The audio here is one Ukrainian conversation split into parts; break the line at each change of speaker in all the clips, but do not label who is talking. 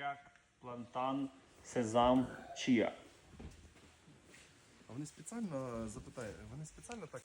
буряк, плантан, сезам, чия.
А вони спеціально, вони спеціально так?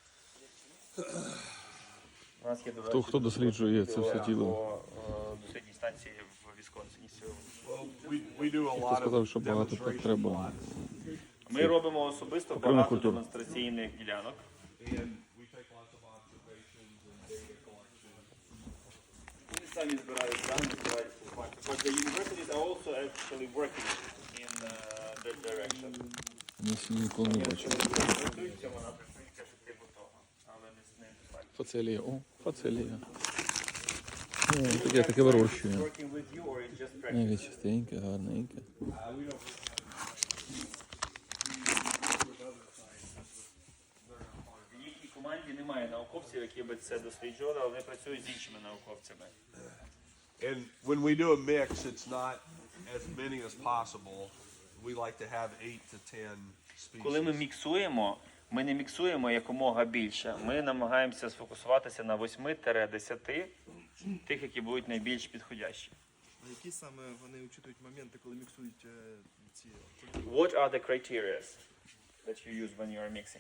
У нас є, до речі,
Хто досліджує це все тіло?
По дослідній станції в Вісконсині сьогодні.
We do a
Хто
lot
сказав,
of
що багато так
demonstration
треба?
Ми робимо особисто
Окремих
багато
культур.
демонстраційних ділянок.
and we take lots of observations and data collection.
Вони самі збирають дані, збирають інформацію. But the universities are also actually working in that direction.
Ніколи не бачив.
Працюють в цьому напрямку, і кажуть, типу того, але не достатньо.
Фацелія. О, фацелія. Таке вирощує.
Working with you or it's just practice?
Ні, чистеньке, гарненьке.
В їхній команді немає науковців, які би це досліджували, але вони працюють з іншими науковцями.
And when we do a mix, it's not as many as possible. We like to have 8 to 10
Коли ми
species.
міксуємо, ми не міксуємо якомога більше. Ми намагаємося сфокусуватися на 8-10 тих, які будуть найбільш підходящі.
А які саме вони учитують моменти, коли міксують ці культури?
What are the criteria that you use when you are mixing?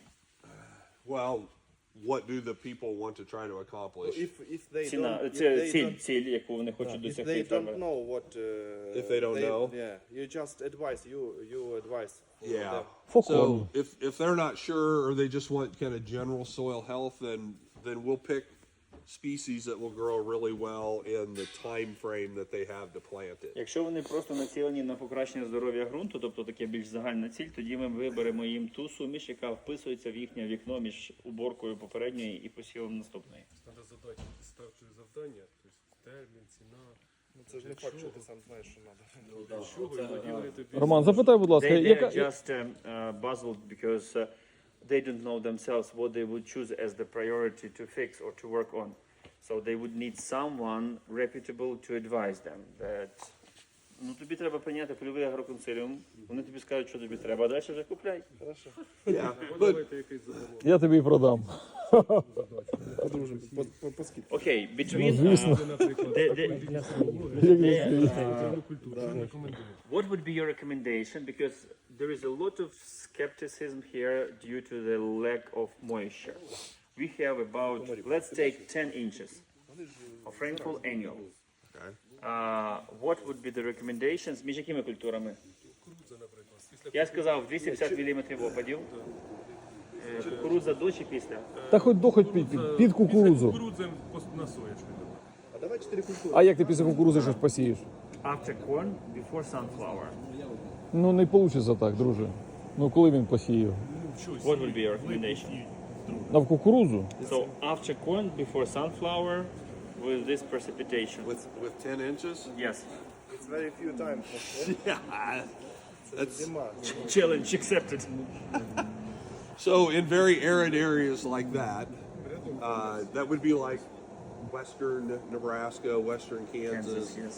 Well, what do the people want to try to accomplish?
If they
Ціна,
don't,
це ціль, яку вони хочуть
if
досягти.
they don't
фермери.
know what,
If they don't know?
yeah, you just advise. You advise. for
Yeah.
them.
So if they're not sure or they just want kind of general soil health, then we'll pick species that will grow really well in the time frame that they have to plant it.
Якщо вони просто націлені на покращення здоров'я ґрунту, тобто таке більш загальна ціль, тоді ми виберемо їм ту суміш, яка вписується в їхнє вікно між уборкою попередньої і посівом наступної.
Треба задати ставчі завдання, тобто термін, ціна.
Ну, це ж не факт, що ти сам знаєш, що треба.
Чого і тоді вони тобі
Роман, запитай, будь ласка,
They
яка...
are just puzzled because they don't know themselves what they would choose as the priority to fix or to work on. So they would need someone reputable to advise them that ну тобі треба прийняти польовий агроконсиліум, вони тобі скажуть, що тобі треба, а далі вже купляй.
Yeah, but
давайте якийсь задоволення.
Я тобі продам.
Подружимо, по скидці.
Окей, between
звісно.
Наприклад,
the-
такої лісології. Культуру рекомендую.
what would be your recommendation? Because there is a lot of skepticism here due to the lack of moisture. We have about, let's take 10 inches of rainfall annual.
okay.
What would be the recommendations? Між якими культурами? Я сказав 250 мм опадів. Кукурудза до чи після?
Та хоч під кукурудзу.
Кукурудзем на соєчку.
А давай 4 культури.
А як ти після кукурудзи щось посієш?
After corn, before sunflower.
Ну не вийде так, друже. Ну коли він посіяв?
What would be your recommendation?
На в кукурудзу?
So after corn, before sunflower, with this precipitation.
With 10 inches?
Yes.
It's very few times.
Yeah. That's
Зима.
Challenge accepted.
so in very arid areas like that, that would be like western Nebraska, western Kansas.
Yes.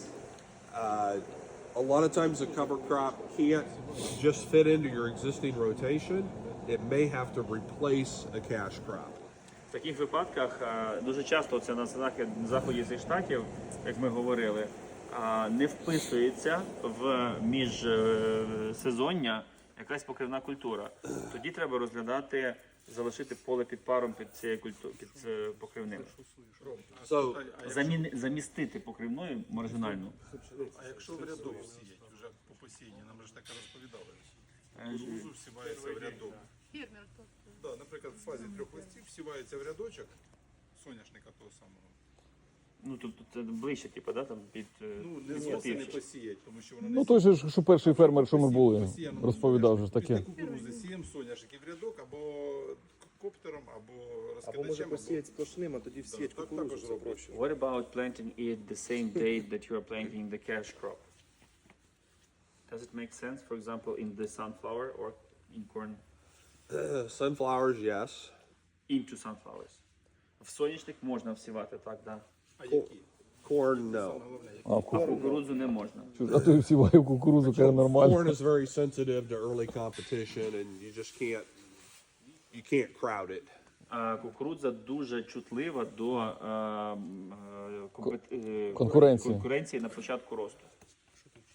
A lot of times the cover crop can't just fit into your existing rotation. It may have to replace a cash crop.
В таких випадках дуже часто це на заході зі штатів, як ми говорили, не вписується в міжсезоння якась покривна культура. Тоді треба розглядати, залишити поле під паром під цією під покривним.
So
Замістити покривною маржинальну.
А якщо в рядок сіять, вже по посінні, нам ж таке розповідали. Кукурудзу всівається в рядок. Да, наприклад, в фазі 3 листів всівається в рядочок соняшника того самого.
Ну тобто це ближче, типу, да, там під
Ну, не
під
зовсім не
північ.
посіять, тому що воно не
Ну той же ж, що перший фермер, що ми були,
посіяно
розповідав же ж
Після
таке.
кукурудзи сіємо соняшники в рядок або коптером, або
Або може
розкидачем,
посіяти сплошним, а тоді всіять
Так,
кукурудзу.
також
Це
роблять.
проще.
What about planting it the same day that you are planting the cash crop? Does it make sense, for example, in the sunflower or in corn?
sunflowers, yes.
Into sunflowers. В соняшник можна всівати, так, да.
А які?
Corn, no.
А
Кукурудзу не можна.
а ти всіваю кукурудзу, каже нормально.
Corn is very sensitive to early competition, and you just can't crowd it.
Кукурудза дуже чутлива до
Конкуренції.
конкуренції на початку росту.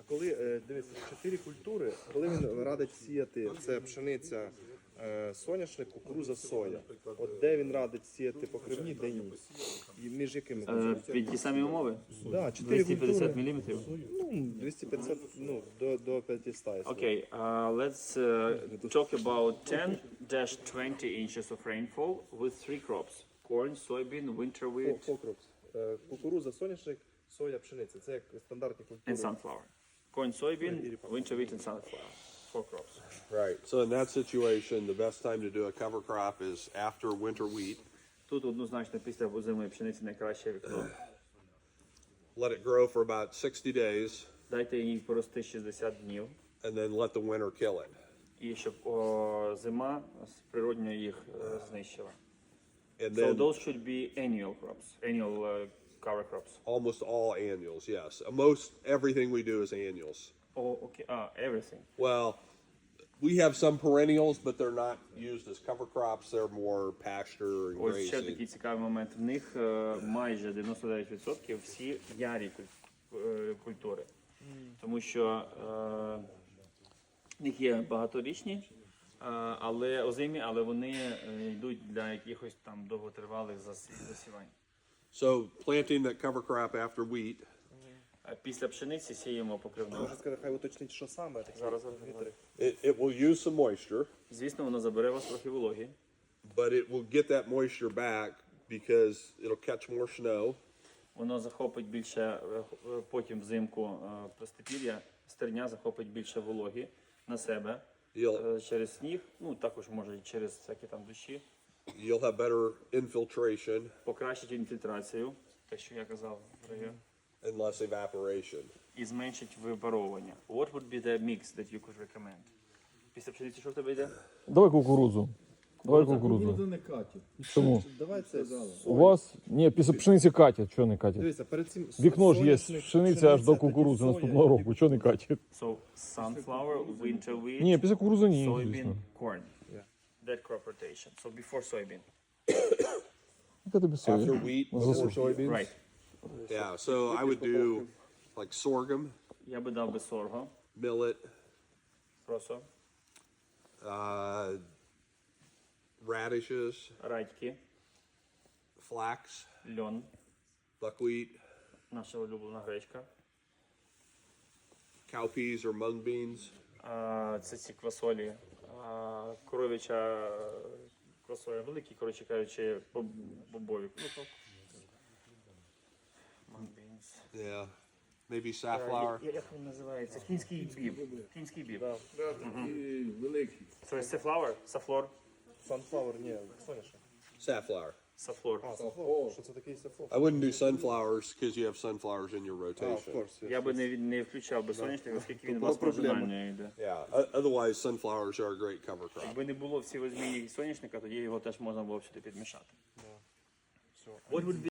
коли дивіться, 4 культури, коли він радить сіяти, це пшениця, соняшник, кукуруза, соя. От де він радить сіяти покривні, де ні. І між якими
Під ті самі умови?
Да, 4
250
культури.
мм.
Ну, 250, ну, до 500.
Okay, let's talk about 10-20 inches of rainfall with 3 crops: corn, soybean, winter wheat,
Покропс. Кукуруза, соняшник, соя, пшениця. Це як стандартні культури.
and sunflower. Corn, soybean, winter wheat, and sunflower. 4 crops.
Right. So in that situation, the best time to do a cover crop is after winter wheat.
Тут однозначно після озимої пшениці найкраще вікно.
Let it grow for about 60 days,
Дайте їй порости 60 днів,
and then let the winter kill it.
і щоб зима природньо їх знищила.
And
So
then
those should be annual crops, annual cover crops.
almost all annuals, yes. Most everything we do is annuals.
Oh, okay. Everything.
Well, we have some perennials, but they're not used as cover crops. They're more pasture and
Ось ще
grazing.
такий цікавий момент. В них майже 99% всі ярі культури. Тому що в них є багаторічні, але озимі, але вони йдуть для якихось там довготривалих засівань.
So planting that cover crop after wheat,
Після пшениці сіємо покривну.
Можна сказати, хай уточнить, що саме. такі
Зараз.
вітри.
it will use some moisture,
Звісно, воно забере у вас трохи вологі,
but it will get that moisture back because it'll catch more snow.
воно захопить більше, потім взимку простопір'я, стерня захопить більше вологі на себе через сніг, ну також може і через всякі там дощі,
You'll have better infiltration
покращить інфільтрацію, те, що я казав раніше,
and less evaporation.
і зменшить випаровування. What would be the mix that you could recommend? Після пшениці що в тебе йде?
Давай кукурудзу. Давай кукурудзу.
не катять.
Чому?
Давай це.
У вас? Ні, після пшениці катять. Чого не катять?
Дивіться, перед цим
Вікно ж є
соняшник,
пшениця аж до
тоді
кукурудзи
соя,
наступного року. Чого не катять?
So, sunflower, winter wheat,
Ні, після кукурудзи ні,
soybean,
звісно.
corn. That crop rotation. So before soybean.
Яка тобі соя?
After wheat, before
Засуш.
soybeans.
Right.
Yeah, so I would do like sorghum,
Я би дав би сорго,
millet,
просо,
radishes,
радьки,
flax,
льон,
buckwheat,
наша улюблена гречка.
cowpeas or mung beans,
Це ці квасолі, коров'яча квасоля, великі, коротше кажучи, бобові. Ну, то. Mung beans.
yeah, maybe safflower.
Як він називається? Кінський біб. Кінський біб.
Великий.
So it's safflower? Safflor?
Sunflower, ні, соняшник.
Safflower.
Safflor.
А, safflower. Що це такий safflower?
I wouldn't do sunflowers because you have sunflowers in your
А, of
rotation.
course.
Я би не включав би соняшник, оскільки він у вас маржинально йде.
Yeah, otherwise sunflowers are a great cover crop.
Якби не було всі возьмі соняшника, тоді його теж можна було б сюди підмішати. What would be